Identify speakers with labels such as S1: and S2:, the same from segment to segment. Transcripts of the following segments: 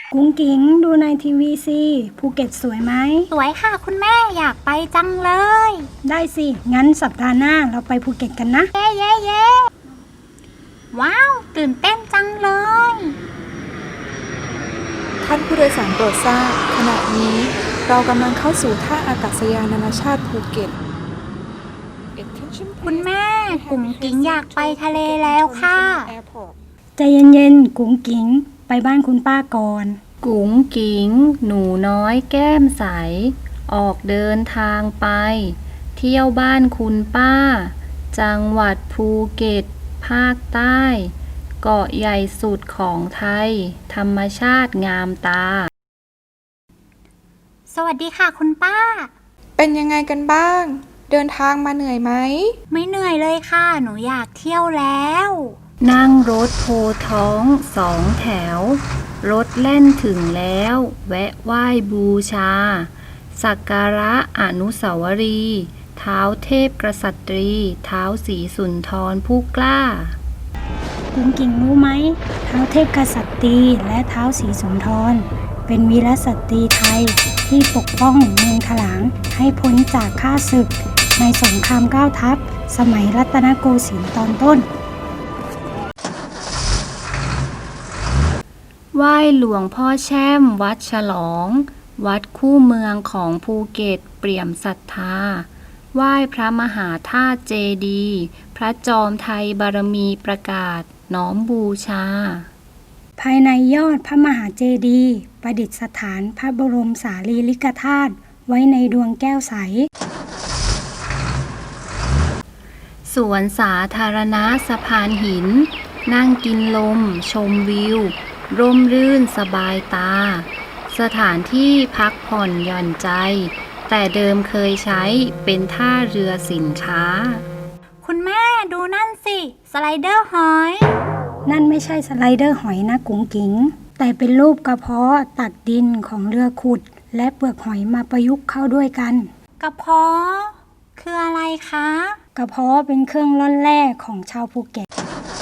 S1: กุ้งกิ๊งดูในทีวีสิภูเก็ตสวยไหม
S2: สวยค่ะคุณแม่อยากไปจังเลย
S1: ได้สิงั้นสัปดาห์หน้าเราไปภูเก็ตกันนะ
S2: เย้เย้เย้ว้าวตื่นเต้นจังเลย
S3: ท่านผู้โดยสารโปรดทราบขณะนี้เรากำลังเข้าสู่ท่าอากาศยานนานาชาติภูเก็ต
S2: คุณแม่กุ้งกิ๊งอยากไปทะเลแล้วค่ะ
S1: ใจเย็นๆกุ้งกิ๊งไปบ้านคุณป้าก่อน
S4: กุ๋งกิ๋งหนูน้อยแก้มใสออกเดินทางไปเที่ยวบ้านคุณป้าจังหวัดภูเก็ตภาคใต้เกาะใหญ่สุดของไทยธรรมชาติงามตา
S2: สวัสดีค่ะคุณป้า
S3: เป็นยังไงกันบ้างเดินทางมาเหนื่อยไหม
S2: ไม่เหนื่อยเลยค่ะหนูอยากเที่ยวแล้ว
S4: นั่งรถโพท้อง2 แถวรถแล่นถึงแล้วแวะไหว้บูชาสักการะอนุสาวรีย์ท้าวเทพกษัตรีท้าวศรีสุนทรผู้กล้า
S1: กุ้งกิ๊งรู้ไหมท้าวเทพกษัตริย์และท้าวศรีสุนทรเป็นวีรสตรีไทยที่ปกป้องเมืองถลางให้พ้นจากข้าศึกในสงคราม9 ทัพสมัยรัตนโกสินทร์ตอนต้น
S4: ไหว้หลวงพ่อแช่มวัดฉลองวัดคู่เมืองของภูเก็ตเปี่ยมศรัทธาไหว้พระมหาธาตุเจดีย์พระจอมไทยบารมีประกาศน้อมบูชา
S1: ภายในยอดพระมหาเจดีย์ประดิษฐานพระบรมสารีริกธาตุไว้ในดวงแก้วใส
S4: สวนสาธารณะสะพานหินนั่งกินลมชมวิวร่มรื่นสบายตาสถานที่พักผ่อนหย่อนใจแต่เดิมเคยใช้เป็นท่าเรือสินค้า
S2: คุณแม่ดูนั่นสิสไลเดอร์หอย
S1: นั่นไม่ใช่สไลเดอร์หอยนะกุ้งกิ๊งแต่เป็นรูปกระเพาะตักดินของเรือขุดและเปลือกหอยมาประยุกต์เข้าด้วยกัน
S2: กระเพาะคืออะไรคะ
S1: กระเพาะเป็นเครื่องร่อนแร่ของชาวภูเก็ต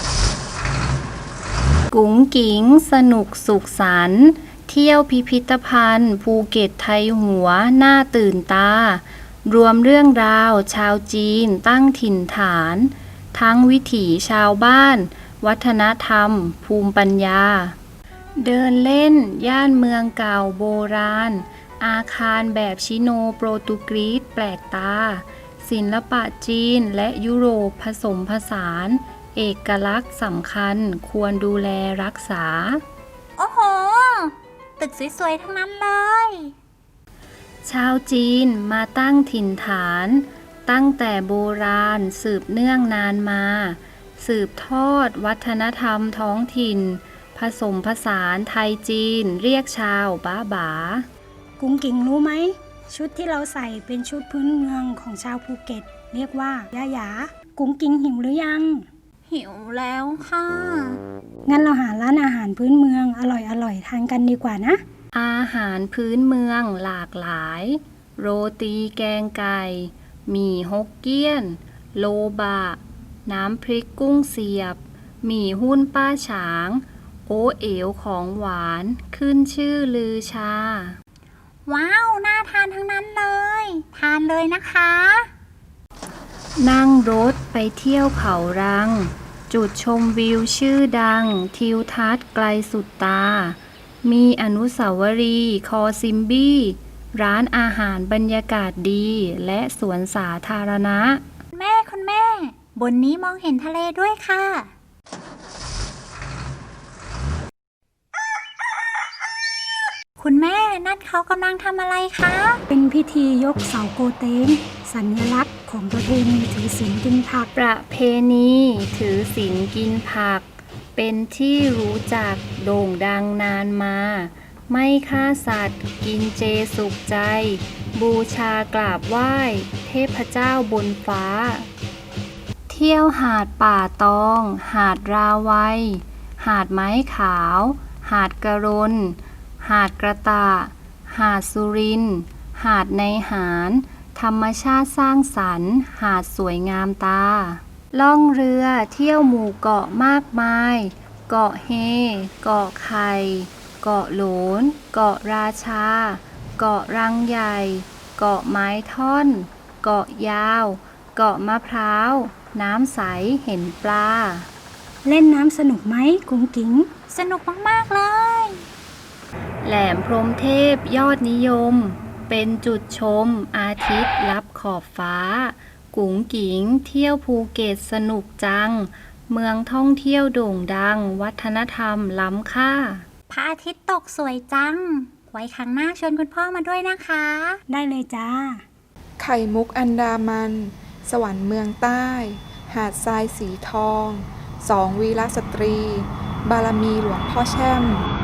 S4: กุ๋งกิ๋งสนุกสุขสันต์เที่ยวพิพิธภัณฑ์ภูเก็ตไทยหัวน่าตื่นตารวมเรื่องราวชาวจีนตั้งถิ่นฐานทั้งวิถีชาวบ้านวัฒนธรรมภูมิปัญญาเดินเล่นย่านเมืองเก่าโบราณอาคารแบบชิโนโปรตุเกสแปลกตาศิลปะจีนและยุโรปผสมผสานเอกลักษณ์สำคัญควรดูแลรักษา
S2: โอ้โหตึกสวยๆทั้งนั้นเลย
S4: ชาวจีนมาตั้งถิ่นฐานตั้งแต่โบราณสืบเนื่องนานมาสืบทอดวัฒนธรรมท้องถิ่นผสมผสานไทยจีนเรียกชาวบ้าบา
S1: กุ้งกิ๊งรู้ไหมชุดที่เราใส่เป็นชุดพื้นเมืองของชาวภูเก็ตเรียกว่ายะหยากุ้งกิ๊งหิวหรือยัง
S2: หิวแล้วค่ะ
S1: งั้นเราหาร้านอาหารพื้นเมืองอร่อยๆทานกันดีกว่านะ
S4: อาหารพื้นเมืองหลากหลายโรตีแกงไก่หมี่ฮกเกี้ยนโลบะน้ำพริกกุ้งเสียบหมี่หุ้นป้าฉางโอเอ๋วของหวานขึ้นชื่อลือชา
S2: ว้าวน่าทานทั้งนั้นเลยทานเลยนะคะ
S4: นั่งรถไปเที่ยวเขารังจุดชมวิวชื่อดังทิวทัศน์ไกลสุดตามีอนุสาวรีย์คอซิมบี้ร้านอาหารบรรยากาศดีและสวนสาธารณะ
S2: คุณแม่บนนี้มองเห็นทะเลด้วยค่ะคุณแม่นั่นเขากำลังทำอะไรคะ
S1: เป็นพิธียกเสาโกเต้งสัญลักษณ์ของประเพณีถือศีลกินผัก
S4: ประเพณีถือศีลกินผักเป็นที่รู้จักโด่งดังนานมาไม่ฆ่าสัตว์กินเจสุขใจบูชากราบไหว้เทพเจ้าบนฟ้าเที่ยวหาดป่าตองหาดราวัยหาดไม้ขาวหาดกระรนหาดกระตะหาดสุรินทร์หาดในหารธรรมชาติสร้างสรรค์หาดสวยงามตาล่องเรือเที่ยวหมู่เกาะมากมายเกาะเฮเกาะไข่เกาะโหลน เกาะราชา เกาะรังใหญ่ เกาะไม้ท่อน เกาะยาว เกาะมะพร้าว น้ำใสเห็นปลา
S1: เล่นน้ำสนุกไหมกุ้งกิ้ง
S2: สนุกมากๆเลย
S4: แหลมพรหมเทพยอดนิยม เป็นจุดชมอาทิตย์ลับขอบฟ้า กุ๋งกิ๋งเที่ยวภูเก็ตสนุกจัง เมืองท่องเที่ยวโด่งดัง วัฒนธรรมล้ำค่า
S2: พระอาทิตย์ตกสวยจัง ไว้ครั้งหน้าชวนคุณพ่อมาด้วยนะคะ
S1: ได้เลยจ้า
S3: ไข่มุกอันดามัน สวรรค์เมืองใต้ หาดทรายสีทอง 2 วีรสตรี บารมีหลวงพ่อแช่ม